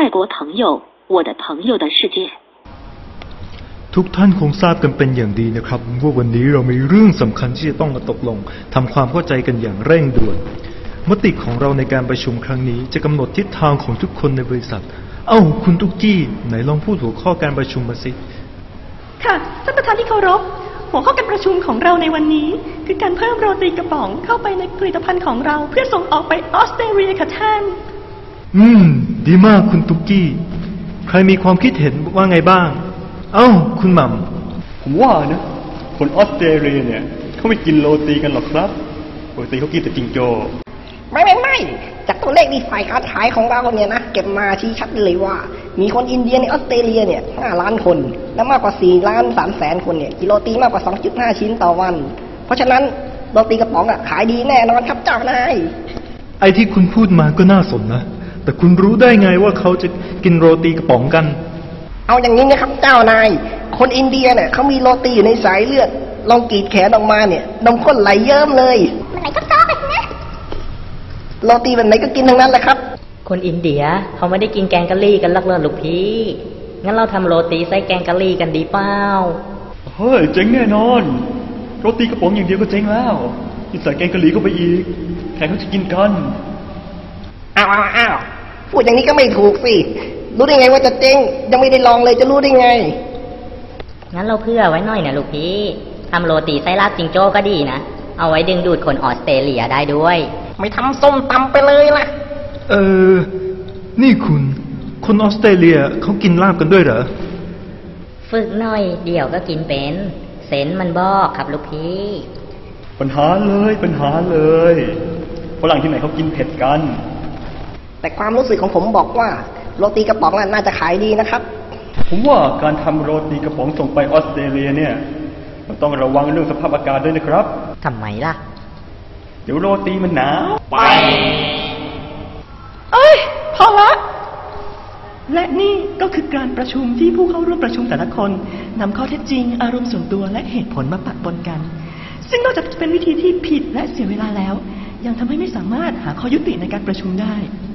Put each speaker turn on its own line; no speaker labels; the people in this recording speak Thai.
泰国朋友，我的朋友的世界。
ทุกท่านคงทราบกันเป็นอย่างดีนะครับว่าวันนี้เรามีเรื่องสำคัญที่จะต้องมาตกลงทำความเข้าใจกันอย่างเร่งด่วนมติของเราในการประชุมครั้งนี้จะกำหนดทิศทางของทุกคนในบริษัทคุณตุ๊กกี้ไหนลองพูดหัวข้อการประชุมมาสิ
ค่ะท่านประธานที่เคารพหัวข้อการประชุมของเราในวันนี้คือการเพิ่มโรตีกระป๋องเข้าไปในผลิตภัณฑ์ของเราเพื่อส่งออกไปออสเตรเลียค่ะท่าน
ดีมากคุณตุ๊กกี้ใครมีความคิดเห็นว่าไงบ้างคุณหม่
ำผมว่านะคนออสเตรเลียเนี่ยเขาไม่กินโรตีกันหรอกครับปกติเขากินแต่จิงโจ้
ไม่จากตัวเลขที่ฝ่ายการขายของเราเนี่ยนะเก็บมาชี้ชัดเลยว่ามีคนอินเดียในออสเตรเลียเนี่ย5 ล้านคนและมากกว่า4 ล้าน 3 แสนคนเนี่ยกินโรตีมากกว่า 2.5 ชิ้นต่อวันเพราะฉะนั้นโรตีกระป๋องขายดีแน่นอนครับเจ้านาย
ไอ้ที่คุณพูดมาก็น่าสนนะแต่คุณรู้ได้ไงว่าเขาจะกินโรตีกระป๋องกัน
เอาอย่างนี้นะครับเจ้านายคนอินเดียเนี่ยเขามีโรตีอยู่ในสายเลือดลองกรีดแขนออกมาเนี่ยนมข้นไหลเยิ้มเลยมันไหลก็ซ้อไปนะโรตีแบบไหนก็กินทั้งนั้นแหละครับ
คนอินเดียเขาไม่ได้กินแกงกะหรี่กันหรอกเลยลูกพี่งั้นเราทำโรตีใส่แกงกะหรี่กันดีเปล่า
เฮ้ยเจ๋งแน่นอนโรตีกระป๋องอย่างเดียวก็เจ๋งแล้วยิ่งใส่แกงกะหรี่เข้าไปอีกใครเขาจะกินกัน
อ้าวพูดอย่างนี้ก็ไม่ถูกสิรู้ได้ไงว่าจะเจ๊งยังไม่ได้ลองเลยจะรู้ได้ไง
งั้นเราเพื่อไว้หน่อยนะลูกพี่ทำโรตีไส้ลาบจิงโจ้ก็ดีนะเอาไว้ดึงดูดคนออสเตรเลียได้ด้วย
ไม่ทำส้มตำไปเลยล่ะ
นี่คุณคนออสเตรเลียเขากินลาบกันด้วยเหรอ
ฝึกหน่อยเดี๋ยวก็กินเป็นเซนมันบอกครับลูกพี่
ปัญหาเลยฝรั่งที่ไหนเขากินเผ็ดกัน
แต่ความรู้สึกของผมบอกว่าโรตีกระป๋องน่าจะขายดีนะครับ
ผมว่าการทำโรตีกระป๋องส่งไปออสเตรเลียเนี่ยมันต้องระวังเรื่องสภาพอากาศด้วยนะครับ
ทำไมล่ะ
เดี๋ยวโรตีมันหนาวไป
พอละและนี่ก็คือการประชุมที่ผู้เข้าร่วมประชุมแต่ละคนนำข้อเท็จจริงอารมณ์ส่วนตัวและเหตุผลมาปะปนกันซึ่งนอกจากจะเป็นวิธีที่ผิดและเสียเวลาแล้วยังทำให้ไม่สามารถหาข้อยุติในการประชุมได้